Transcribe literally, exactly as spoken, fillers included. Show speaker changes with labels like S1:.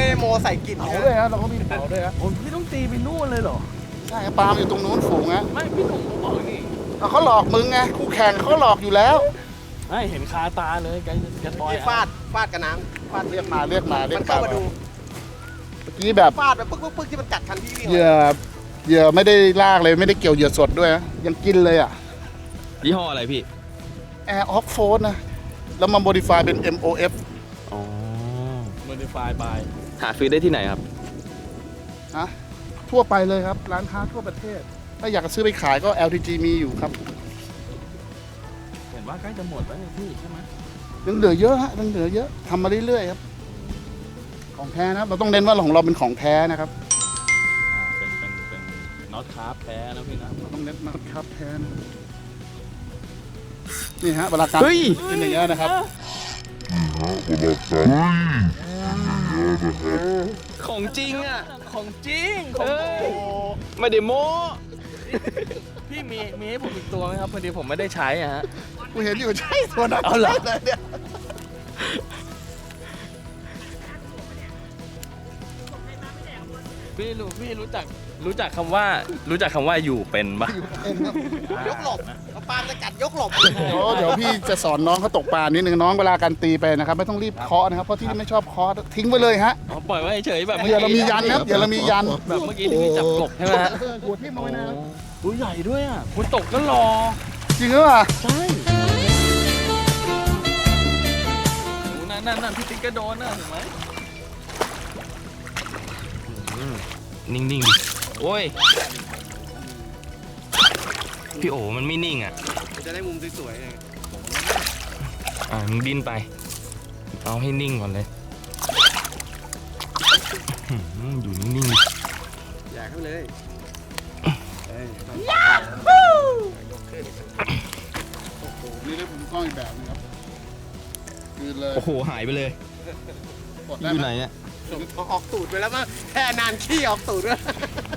S1: โมใส่กลิ่น
S2: เผาด้วยฮะเราก็มีเผาด้วยฮะ
S3: โอ้พี่ต้องตีไปนู่นเลยเหรอ
S2: ใช่ครับปลาอยู่ตรงนู้นฝูงฮะ
S3: ไม่พี่หนุ่มเขาบอกนี่
S2: เขาหลอกมึงไงคู่แข่งเขาหลอกอยู่แล้ว
S3: ไม่เห็นคาตาเลยแกจะต่อย
S1: ที่ฟาดฟาดกับน้ำฟาด
S2: เรียกมาเรียกมาเรีย
S1: มั
S2: ก
S1: นเข้ามาดู
S2: เมื่อกี้แบบ
S1: ฟาดแบบปึ๊กปึ๊กปึ๊กที่มันกัดคันที่วิ่ง
S2: เหยื่อเหยื่อไม่ได้ลากเลยไม่ได้เกี่ยวเหยื่อสดด้วยนะยังกินเลยอ่ะ
S3: ยี่ห้ออะไรพี่
S2: Air Off f o r นะแล้วมา modify เป็น เอ็ม โอ เอฟ
S3: อ๋อ modify by หาซื้อได้ที่ไหนครับ
S2: นะทั่วไปเลยครับ ร้านค้าทั่วประเทศ ถ้าอยากจะซื้อไปขายก็ แอล ที จี มีอยู่ครับ
S3: เห็นว่าใกล้จะหมดแล้วนี่พี่ใช่ไหม
S2: ยังเหลือเยอะฮะยังเหลือเยอะทำมาเรื่อยๆครับของแท้นะครับเราต้องเน้นว่าของเราเป็นของแท้นะครับ
S3: อ่าเป็นเป็นเป็นน็อตคาร์บแท้นะพี่นะ
S2: เราต้องเน้นนะครับแท้นะนี่ฮะเวลาการ
S3: เฮ้ย
S2: เป็นอย่างนี้ยนะครับ
S3: ของจริงอ่ะของจริงของไม่ได้โม้พี่มีมีให้ผมอีกตัวไหมครับพอดีผมไม่ได้ใช้อ่ะฮะ
S2: กูเห็นอยู่ใช่ตัวนั้น
S3: เอาเหรอ
S2: เลยเนี่ย
S3: พี่รู้พี่รู้จักรู้จักคำว่ารู้จักคำว่าอยู่เป็นปะ
S1: ยกหลบเอาปลาจะกัดยกหลบ
S2: เดี๋ยวเดี๋ยวพี่จะสอนน้องเขาตกปลานิดนึงน้องเวลาการตีไปนะครับไม่ต้องรีบเคาะนะครับเพราะที่นี่ไม่ชอบเคาะทิ้งไว้เลยฮะ
S3: อ๋อปล่อยไว้เฉยๆแบบ
S2: เดี๋ยวเรามียันนะครับเดี๋ยวเรามียัน
S3: แบบเมื่อกี้ที่พี่จับกบใช่ไหมฮะ
S2: หัวทิ่มเอาไว้นะครับ
S3: ตัวใหญ่ด้วยอ่ะคุณตกก็รอ
S2: จริงหรือเปล่า
S3: ใช่นั่นนั่นนั่นพี่ติ๊กก็โดนนะเห็นไหมนิ่งๆดิโอ้ยพี่โอมันไม่นิ่งอ่ะ
S1: จะได้มุมสวยๆไง
S3: อ่ามึงดิ้นไป เอาให้นิ่งก่อนเลยอื้อหืออยู่นิ่งๆดิ
S1: อยากเข้าเลย
S2: โอ้โหนี่ได้ผมกล้องอีกแบบนึงครับคือเลย
S3: โอ้โหหายไปเลย
S2: กด
S3: อ
S2: ได้
S3: ยู่
S2: ไห
S3: ไห
S2: ม
S3: นเนี่ย
S1: ออกตูดไปแล้วมั้งแค่นานขี้ออกตูดด้วย